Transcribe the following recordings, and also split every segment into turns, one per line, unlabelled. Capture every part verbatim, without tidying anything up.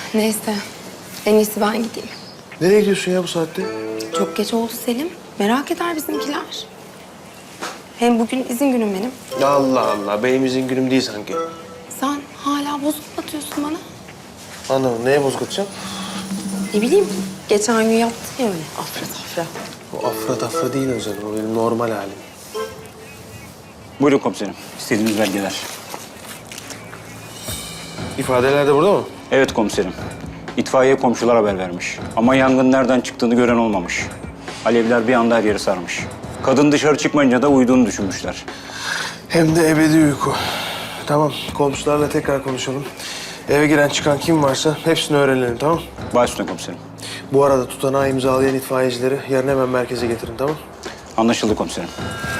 Neyse. En iyisi ben gideyim.
Nereye gidiyorsun ya bu saatte?
Çok geç oldu Selim. Merak eder bizimkiler. Hem bugün izin günüm benim.
Allah Allah, benim izin günüm değil sanki.
Sen hala bozuk atıyorsun bana.
Anlamadım, neye bozuk atacağım?
Ne bileyim, geçen gün yaptın ya öyle. Afra tafra.
O afra tafra değil özel, o benim normal halim.
Buyurun komiserim. İstediğiniz belgeler.
İfadeler de burada mı?
Evet komiserim. İtfaiye komşular haber vermiş. Ama yangın nereden çıktığını gören olmamış. Alevler bir anda her yeri sarmış. Kadın dışarı çıkmayınca da uyuduğunu düşünmüşler.
Hem de ebedi uyku. Tamam, komşularla tekrar konuşalım. Eve giren çıkan kim varsa hepsini öğrenelim, tamam?
Baş üstüne komiserim.
Bu arada tutanağı imzalayan itfaiyecileri yarın hemen merkeze getirin, tamam?
Anlaşıldı komiserim.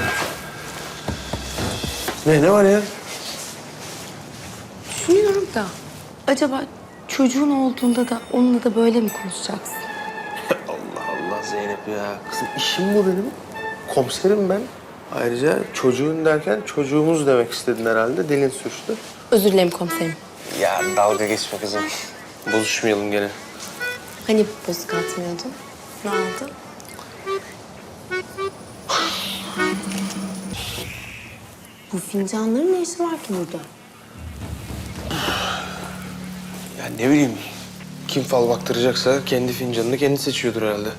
Ne, ne var ya?
Düşünüyorum da acaba çocuğun olduğunda da onunla da böyle mi konuşacaksın?
Allah Allah Zeynep ya. Kızım işim bu benim. Komiserim ben. Ayrıca çocuğun derken çocuğumuz demek istedin herhalde. Dilin sürçtü.
Özür dilerim komiserim.
Ya dalga geçme kızım. Bozuşmayalım gene.
Hani bozuk atmıyordun? Ne oldu? Bu fincanların ne işi var ki burada?
Ya ne bileyim. Kim fal baktıracaksa kendi fincanını kendi seçiyordur herhalde.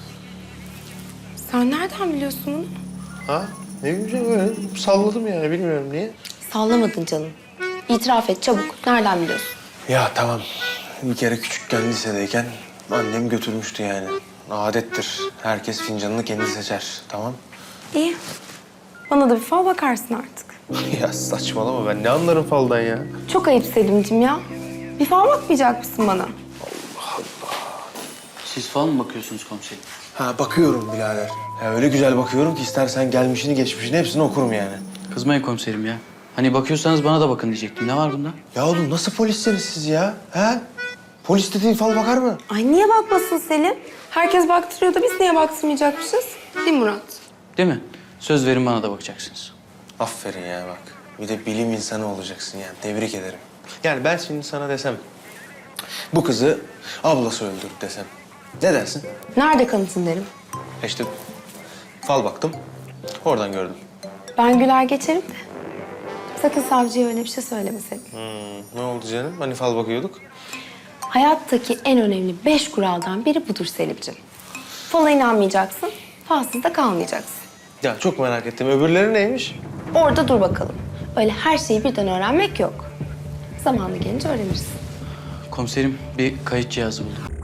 Sen nereden biliyorsun bunu?
Ha? Ne bileyim öyle salladım yani bilmiyorum niye.
Sallamadın canım. İtiraf et çabuk. Nereden biliyorsun?
Ya tamam. Bir kere küçükken lisedeyken annem götürmüştü yani. Adettir. Herkes fincanını kendi seçer. Tamam.
İyi. Bana da bir fal bakarsın artık.
Ya saçmalama ben ne anlarım faldan ya.
Çok ayıp Selim'cim ya. Bir fal bakmayacak mısın bana?
Siz falan mı bakıyorsunuz komiserim?
Ha bakıyorum birader. Ya öyle güzel bakıyorum ki istersen gelmişini geçmişini hepsini okurum yani.
Kızmayın komiserim ya. Hani bakıyorsanız bana da bakın diyecektim. Ne var bunda?
Ya oğlum nasıl polissiniz siz ya? Ha? Polis dediğin fal bakar mı?
Ay niye bakmasın Selim? Herkes baktırıyor da biz niye baktırmayacakmışız? Değil mi Murat?
Değil mi? Söz verin bana da bakacaksınız.
Aferin ya bak. Bir de bilim insanı olacaksın yani. Tebrik ederim. Yani ben şimdi sana desem... bu kızı ablası öldürdü desem. Ne dersin?
Nerede kanıtın derim.
İşte fal baktım. Oradan gördüm.
Ben güler geçerim de. Sakın savcıya öyle bir şey söyleme Selim.
Hmm, ne oldu canım? Hani fal bakıyorduk?
Hayattaki en önemli beş kuraldan biri budur Selim'cim. Fala inanmayacaksın, falsız da kalmayacaksın.
Ya çok merak ettim. Öbürleri neymiş?
Orada dur bakalım. Öyle her şeyi birden öğrenmek yok. Zamanı gelince öğrenirsin.
Komiserim bir kayıt cihazı buldum.